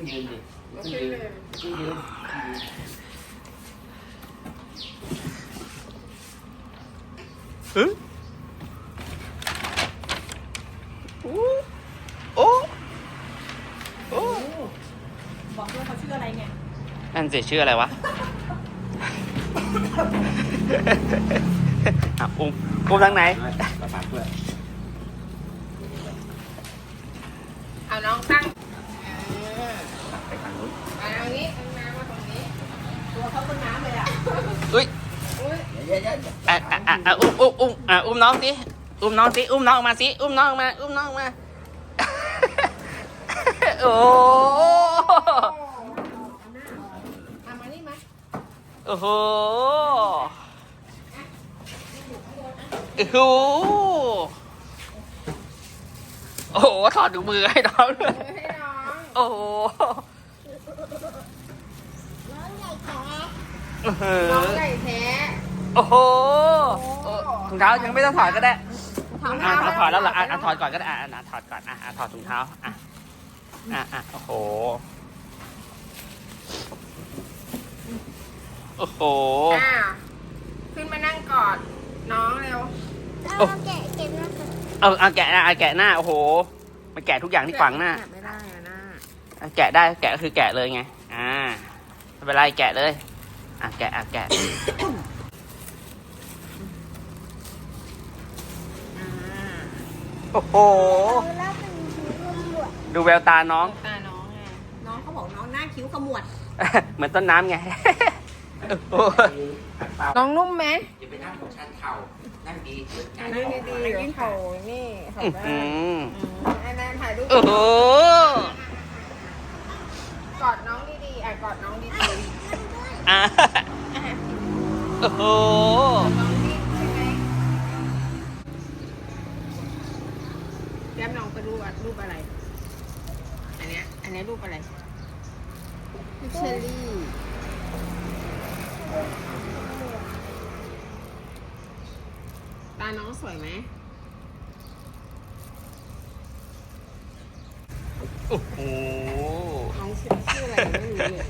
งยืนดิลุกขึ้นยืนลุกขึ้นยืนโอ้โอ้บอกด้วยเขาชื่ออะไรเนี่ยนั่นสิชื่ออะไรวะอุ้มทางไหนประสานเพื่อนเอาน้องตั้งไปทางนู้นมาตรงนี้น้ำมาตรงนี้ตัวเขาเป็นน้ำเลยอ่ะอุ้ยเยอะอุ้มน้องสิอุ้มน้องสิอุ้มน้องมาสิอุ้มน้องมาอุ้มน้องมาโอ้มานี่มาโอ้โหโอ้โหโอ้โหถอดถุงมือให้น้องเลยโอ้โหน้องใหญ่แท้โอ้โหถุงเท้ายังไม่ต้องถอดก็ได้ถอดแล้วเหรอถอดก่อนก็ได้ถอดก่อนถอดถุงเท้าโอ้โหโอ้โหขึ้นมานั่งกอดน้องเร็วแกะหน้าแกะหน้าโอ้โหมันแกะทุกอย่างที่ขวางหน้าไม่ได้หน้าแกะได้แกะคือแกะเลยไงไม่เป็นไรแกะเลยแกะโอ้โหดูแววตาน้องไงน้องเขาบอกน้องหน้าคิ้วขมวดเหมือนต้นน้ำไงน้องนุ่มไหมอย่าไปนั่งบนชั้นเข่านั่งดีนั่งดีๆยิ่งเขานี่เขาได้ไอ้แนนถ่ายรูปโอ้โหกอดน้องดีๆกอดน้องดีๆโอ้โหน้องนิ่งใช่ไหมแย้มน้องไปรูปอะไรอันนี้รูปอะไรเชอรี่ตาน้องสวยไหมโอ้โหน้องชื่ออะไรไม่รู้เลย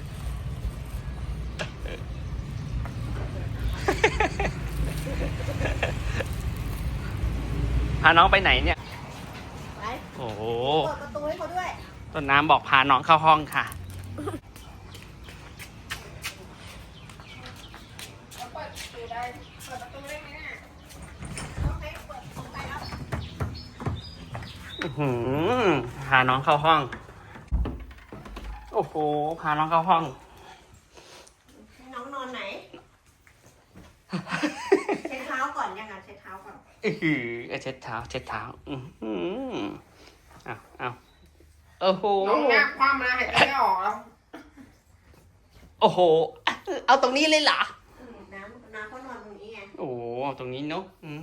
พาน้องไปไหนเนี่ยไปโอ้โหเปิดประตูให้เขาด้วยต้นน้ำบอกพาน้องเข้าห้องค่ะเปิดประตูได้ไหมเนี่ยโอเคเปิดประตูได้แล้วพาน้องเข้าห้องโอ้โหพาน้องเข้าห้องน้องนอนไหนเช็ดเท้าก่อนยังไงเช็ดเท้าก่อนเช็ดเท้าโอ้โหน้องหน้าคว่ำนะหายใจไม่ออกแล้วโอ้โหเอาตรงนี้เลยเหรอน้ำเขานอนตรงนี้ไงโอ้ตรงนี้เนาะ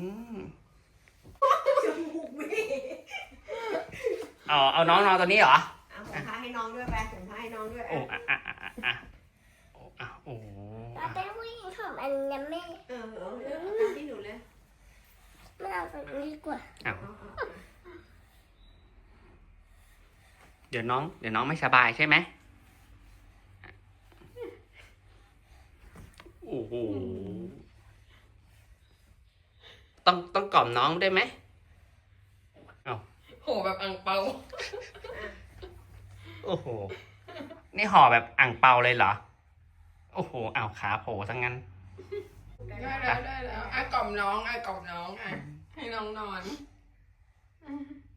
จมูกไม่เอาน้องนอนตรงนี้เหรอเอาถุงผ้าให้น้องด้วยไปถุงผ้าให้น้องด้วยโอ้โอ้เราเป็นผู้หญิงผมอันนี้ไม่ที่หนูเลยไม่เอาแบบนี้ดีกว่าเดี๋ยวน้องไม่สบายใช่ไหมโอ้โหต้องกล่อมน้องได้ไหมโหแบบอ่างเปาโอ้โหนี่ห่อแบบอ่างเปาเลยเหรอโอ้โหขาโผล่ทั้งนั้นได้แล้วกล่อมน้องให้น้องนอน